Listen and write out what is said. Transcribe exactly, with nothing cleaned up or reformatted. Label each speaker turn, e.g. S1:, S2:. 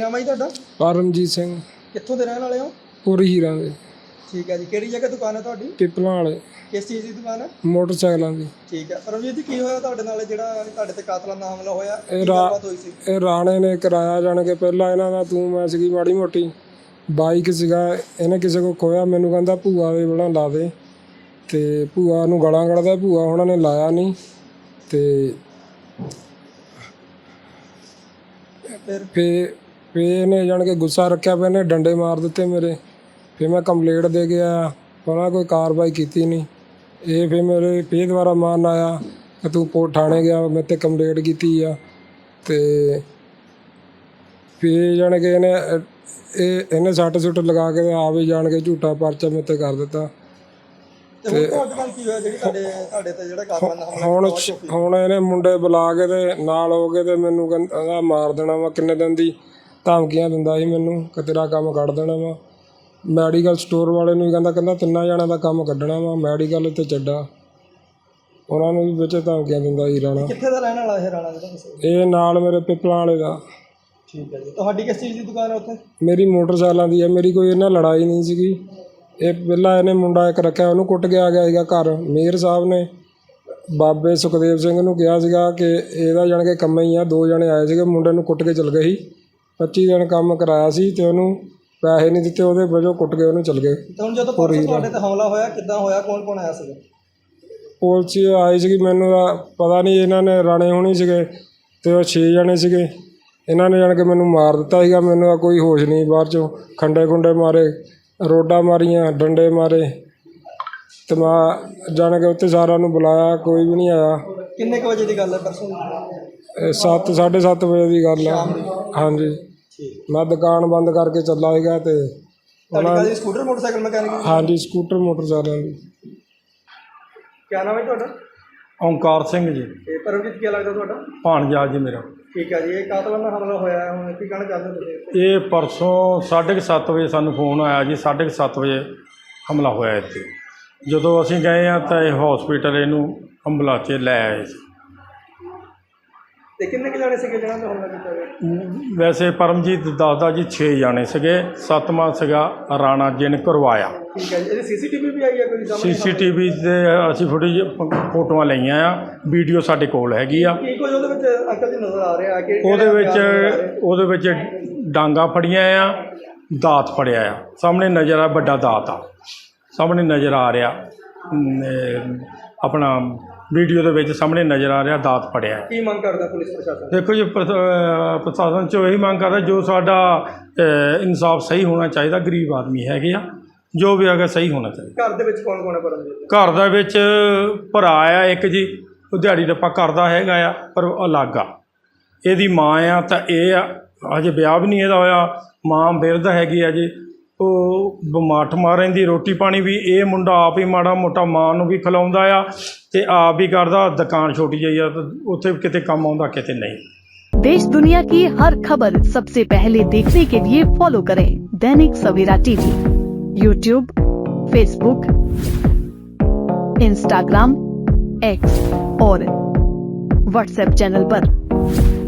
S1: नाम है जी तुहाडा?
S2: परमजीत सिंह
S1: कित्थों दे रहण वाले हो?
S2: पूरी हीरां दे
S1: ठीक है जी। किहड़ी जगह दुकान है तुहाडी?
S2: पिपलां वाले
S1: किस चीज़ की दुकान है?
S2: मोटरसाइकिलों की।
S1: ठीक है। परमजीत जी, की होया तुहाडे नाल जिहड़ा तुहाडे ते कातलाना हमला होया?
S2: ਇਹ
S1: की
S2: ਰਾ
S1: गलबात होई सी?
S2: ਇਹ ਰਾਣੇ ਨੇ ਕਰਾਇਆ ਜਾਣ ਕੇ ਪਹਿਲਾਂ ਇਹਨਾਂ ਦਾ ਤੂੰ ਮੈਂ ਸੀਗੀ ਮਾੜੀ ਮੋਟੀ ਬਾਈਕ ਸੀਗਾ ਇਹਨੇ ਕਿਸੇ ਕੋ ਖੋਇਆ ਮੈਨੂੰ ਕਹਿੰਦਾ ਭੂਆ ਦੇ ਬਣਾ ਲਾ ਦੇ ਤੇ ਭੂਆ ਨੂੰ ਗਾਲਾਂ ਕੱਢਦਾ ਭੂਆ ਉਹਨਾਂ ਨੇ ਲਾਇਆ ਨਹੀਂ ਤੇ
S1: फिर
S2: ਫੇ ਫੇ ਇਹਨੇ ਜਾਣ ਕੇ ਗੁੱਸਾ ਰੱਖਿਆ ਪਿਆ ਇਹਨੇ ਡੰਡੇ ਮਾਰ ਦਿੱਤੇ ਮੇਰੇ ਫਿਰ ਮੈਂ ਕੰਪਲੇਂਟ ਦੇ ਕੇ ਆਇਆ ਉਹਨਾਂ ਕੋਈ ਕਾਰਵਾਈ ਕੀਤੀ ਨਹੀਂ ਇਹ ਫਿਰ ਮੇਰੇ ਫੇਰ ਦੁਬਾਰਾ ਮਾਰਨ ਆਇਆ ਕਿ ਤੂੰ ਪੋ ਥਾਣੇ ਗਿਆ ਮੇਰੇ 'ਤੇ ਕੰਪਲੇਂਟ ਕੀਤੀ ਆ ਤੇ ਫਿਰ ਜਾਣ ਕੇ ਇਹਨੇ ਇਹ ਇਹਨੇ ਸੱਟ ਸੁੱਟ ਲਗਾ ਕੇ ਆ ਵੀ ਜਾਣ ਕੇ ਝੂਠਾ ਪਰਚਾ ਮੇਰੇ 'ਤੇ ਕਰ ਦਿੱਤਾ
S1: ਤੇ ਹੁਣ ਤੁਹਾਡੇ ਨਾਲ ਕੀ ਹੋਇਆ ਜਿਹੜੀ ਤੁਹਾਡੇ ਤੁਹਾਡੇ ਤੇ ਜਿਹੜਾ ਕਾਤਲਾਨਾ ਹਮਲਾ
S2: ਹੁਣ
S1: ਕੀਤਾ ਉਹ
S2: ਹੁਣ ਇਹਨੇ ਮੁੰਡੇ ਬੁਲਾ ਕੇ ਤੇ ਨਾਲ ਹੋ ਕੇ ਤੇ ਮੈਨੂੰ ਕਹਿੰਦਾ ਮਾਰ ਦੇਣਾ ਵਾ ਕਿੰਨੇ ਦਿਨ ਦੀ ਧਮਕੀਆਂ ਦਿੰਦਾ ਸੀ ਮੈਨੂੰ ਕਿ ਤੇਰਾ ਕੰਮ ਕੱਢ ਦੇਣਾ ਵਾ ਮੈਡੀਕਲ ਸਟੋਰ ਵਾਲੇ ਨੂੰ ਵੀ ਕਹਿੰਦਾ ਕਹਿੰਦਾ ਤਿੰਨਾਂ ਜਣਿਆਂ ਦਾ ਕੰਮ ਕੱਢਣਾ ਵਾ ਮੈਡੀਕਲ ਤੇ ਚੱਡਾ ਉਹਨਾਂ ਨੂੰ ਵੀ ਵਿੱਚ ਧਮਕੀਆਂ ਦਿੰਦਾ ਸੀ ਰਾਣਾ।
S1: ਕਿੱਥੇ ਦਾ ਰਹਿਣ ਵਾਲਾ ਇਹ ਰਾਣਾ ਜਿਹੜਾ ਤੁਸੀਂ?
S2: ਇਹ ਨਾਲ ਮੇਰੇ ਪਿਪਲਾਂ ਵਾਲੇ ਦਾ।
S1: ਠੀਕ ਹੈ ਜੀ। ਤੁਹਾਡੀ ਕਿਸ ਚੀਜ਼ ਦੀ ਦੁਕਾਨ ਹੈ ਉੱਥੇ?
S2: ਮੇਰੀ ਮੋਟਰਸਾਈਕਲਾਂ ਦੀ ਹੈ ਮੇਰੀ ਕੋਈ ਇਹਨਾਂ ਲੜਾਈ ਨਹੀਂ ਸੀਗੀ ਇਹ ਪਹਿਲਾਂ ਇਹਨੇ ਮੁੰਡਾ ਇੱਕ ਰੱਖਿਆ ਉਹਨੂੰ ਕੁੱਟ ਕੇ ਆ ਗਿਆ ਸੀਗਾ ਘਰ ਮੇਅਰ ਸਾਹਿਬ ਨੇ ਬਾਬੇ ਸੁਖਦੇਵ ਸਿੰਘ ਨੂੰ ਕਿਹਾ ਸੀਗਾ ਕਿ ਇਹਦਾ ਜਾਣ ਕੇ ਕੰਮ ਹੀ ਆ ਦੋ ਜਣੇ ਆਏ ਸੀਗੇ ਮੁੰਡੇ ਨੂੰ ਕੁੱਟ ਕੇ ਚਲ ਗਏ ਸੀ ਪੱਚੀ ਦਿਨ ਕੰਮ ਕਰਾਇਆ ਸੀ ਤੇ ਉਹਨੂੰ ਪੈਸੇ ਨਹੀਂ ਦਿੱਤੇ ਉਹਦੇ ਵਜੋਂ ਕੁੱਟ ਕੇ ਉਹਨੂੰ ਚਲ ਗਏ।
S1: ਤੇ ਹੁਣ ਜਦੋਂ ਪਰਸੋਂ ਤੁਹਾਡੇ ਤੇ ਹਮਲਾ ਹੋਇਆ ਕਿੱਦਾਂ ਹੋਇਆ ਕੌਣ ਕੌਣ ਆਇਆ ਸੀਗਾ?
S2: ਪੁਲਿਸ ਆਈ ਸੀਗੀ ਮੈਨੂੰ ਤਾਂ ਪਤਾ ਨਹੀਂ ਇਹਨਾਂ ਨੇ ਰਾਣੇ ਹੋਣੀ ਸੀਗੇ ਤੇ ਉਹ ਛੇ ਜਣੇ ਸੀਗੇ ਇਹਨਾਂ ਨੇ ਜਾਣ ਕੇ ਮੈਨੂੰ ਮਾਰ ਦਿੱਤਾ ਸੀਗਾ ਮੈਨੂੰ ਤਾਂ ਕੋਈ ਹੋਸ਼ ਨਹੀਂ ਬਾਹਰ 'ਚੋਂ ਖੰਡੇ ਖੁੰਡੇ ਮਾਰੇ ਰੋਡਾਂ ਮਾਰੀਆਂ ਡੰਡੇ ਮਾਰੇ ਤੇ ਮੈਂ ਜਾਣ ਕੇ ਉੱਥੇ ਸਾਰਿਆਂ ਨੂੰ ਬੁਲਾਇਆ ਕੋਈ ਵੀ ਨਹੀਂ ਆਇਆ।
S1: ਕਿੰਨੇ ਕੁ ਵਜੇ ਦੀ ਗੱਲ ਹੈ ਪਰਸੋਂ ਦੀ?
S2: ਇਹ ਸੱਤ ਸਾਢੇ ਸੱਤ ਵਜੇ ਦੀ ਗੱਲ ਆ। ਹਾਂਜੀ ਮੈਂ ਦੁਕਾਨ ਬੰਦ ਕਰਕੇ ਚੱਲਾ ਸੀਗਾ ਤੇ
S1: ਤੁਹਾਡੀ ਕਾਹਦੀ ਸਕੂਟਰ ਮੋਟਰਸਾਈਕਲ ਮਕੈਨਿਕ?
S2: ਹਾਂਜੀ ਸਕੂਟਰ ਮੋਟਰਸਾਈਕਲਾਂ ਦੀ।
S1: ਕਿਆ ਨਾਮ ਹੈ ਤੁਹਾਡਾ?
S3: ਓਂਕਾਰ ਸਿੰਘ ਜੀ।
S1: ਤੇ ਪਰਮਜੀਤ ਕੀ ਲੱਗਦਾ ਤੁਹਾਡਾ?
S3: ਭਾਣਜਾ ਜੀ ਮੇਰਾ।
S1: ਠੀਕ ਹੈ ਜੀ। ਇਹ ਕਾਤਲਾਨਾ ਹਮਲਾ ਹੋਇਆ ਹੈ ਹੁਣ ਕੀ ਕਹਿਣਾ ਚਾਹੁੰਦੇ ਹੋ ਤੁਸੀਂ?
S3: ਇਹ ਪਰਸੋਂ ਸਾਢੇ ਕੁ ਸੱਤ ਵਜੇ ਸਾਨੂੰ ਫੋਨ ਆਇਆ ਜੀ ਸਾਢੇ ਕੁ ਸੱਤ ਵਜੇ ਹਮਲਾ ਹੋਇਆ ਇੱਥੇ ਜਦੋਂ ਅਸੀਂ ਗਏ ਹਾਂ ਤਾਂ ਇਹ ਹੌਸਪੀਟਲ ਇਹਨੂੰ ਐਂਬੂਲੈਂਸ 'ਚ ਲੈ ਆਏ ਸੀ।
S1: ਤੇ ਕਿੰਨੇ ਕੁ ਜਾਣੇ ਸੀਗੇ ਜਿਹਨਾਂ 'ਤੇ ਹਮਲਾ ਕੀਤਾ ਗਿਆ?
S3: ਵੈਸੇ ਪਰਮਜੀਤ ਦੱਸਦਾ ਜੀ ਛੇ ਜਾਣੇ ਸੀਗੇ ਸੱਤਵਾਂ ਸੀਗਾ ਰਾਣਾ ਜਿਹਨੇ ਕਰਵਾਇਆ।
S1: ਠੀਕ ਹੈ ਜੀ। ਇਹਦੀ ਸੀ ਸੀ ਟੀ ਵੀ ਵੀ ਆਈ ਹੈ ਕੋਈ ਸਾਹਮਣੇ?
S3: ਸੀ ਸੀ ਟੀ ਵੀ 'ਤੇ ਅਸੀਂ ਫੁਟੇਜ ਫੋਟੋਆਂ ਲਈਆਂ ਆ ਵੀਡੀਓ ਸਾਡੇ ਕੋਲ ਹੈਗੀ ਆ।
S1: ਕੀ ਕੁਝ ਉਹਦੇ ਵਿੱਚ ਅੰਕਲ ਜੀ ਨਜ਼ਰ ਆ ਰਿਹਾ ਕਿ
S3: ਉਹਦੇ ਵਿੱਚ ਉਹਦੇ ਵਿੱਚ ਡਾਂਗਾ ਫੜੀਆਂ ਆ ਦਾਤ ਫੜਿਆ ਆ ਸਾਹਮਣੇ ਨਜ਼ਰ ਆ ਵੱਡਾ ਦਾਤ ਆ ਸਾਹਮਣੇ ਨਜ਼ਰ ਆ ਰਿਹਾ ਆਪਣਾ ਵੀਡੀਓ ਦੇ ਵਿੱਚ ਸਾਹਮਣੇ ਨਜ਼ਰ ਆ ਰਿਹਾ ਦਾਤ ਫੜਿਆ।
S1: ਕੀ ਮੰਗ ਕਰਦਾ ਪੁਲਿਸ ਪ੍ਰਸ਼ਾਸਨ?
S3: ਦੇਖੋ ਜੀ ਪ੍ਰਸ਼ਾਸਨ 'ਚੋਂ ਇਹੀ ਮੰਗ ਕਰਦਾ ਜੋ ਸਾਡਾ ਇਨਸਾਫ ਸਹੀ ਹੋਣਾ ਚਾਹੀਦਾ ਗਰੀਬ ਆਦਮੀ ਹੈਗੇ ਆ ਜੋ ਵੀ ਹੈਗਾ ਸਹੀ ਹੋਣਾ ਚਾਹੀਦਾ।
S1: ਘਰ ਦੇ ਵਿੱਚ ਕੌਣ ਕੌਣ ਹੈ ਪਰਮਜੀਤ?
S3: ਘਰ ਦੇ ਵਿੱਚ ਭਰਾ ਆ ਇੱਕ ਜੀ ਉਹ ਦਿਹਾੜੀ ਰੱਪਾ ਕਰਦਾ ਹੈਗਾ ਆ ਪਰ ਅਲੱਗ ਆ ਇਹਦੀ ਮਾਂ ਆ ਤਾਂ ਇਹ ਆ ਅਜੇ ਵਿਆਹ ਵੀ ਨਹੀਂ ਇਹਦਾ ਹੋਇਆ ਮਾਂ ਬਿਰਧ ਹੈਗੀ ਆ ਜੀ ਉਹ ਬਿਮਾਰ ਠਮਾਰ ਰਹਿੰਦੀ ਰੋਟੀ ਪਾਣੀ ਵੀ ਇਹ ਮੁੰਡਾ ਆਪ ਹੀ ਮਾੜਾ ਮੋਟਾ ਮਾਂ ਨੂੰ ਵੀ ਖਿਲਾਉਂਦਾ ਆ ਤੇ ਆਪ ਵੀ ਕਰਦਾ ਦੁਕਾਨ ਛੋਟੀ ਜਿਹੀ ਆ ਤੇ ਉੱਥੇ ਕਿਤੇ ਕੰਮ ਆਉਂਦਾ ਕਿਤੇ नहीं।
S4: देश दुनिया की हर खबर सबसे पहले देखने के लिए फॉलो करें Dainik Savera TV YouTube Facebook Instagram X और व्हाट्सएप चैनल पर।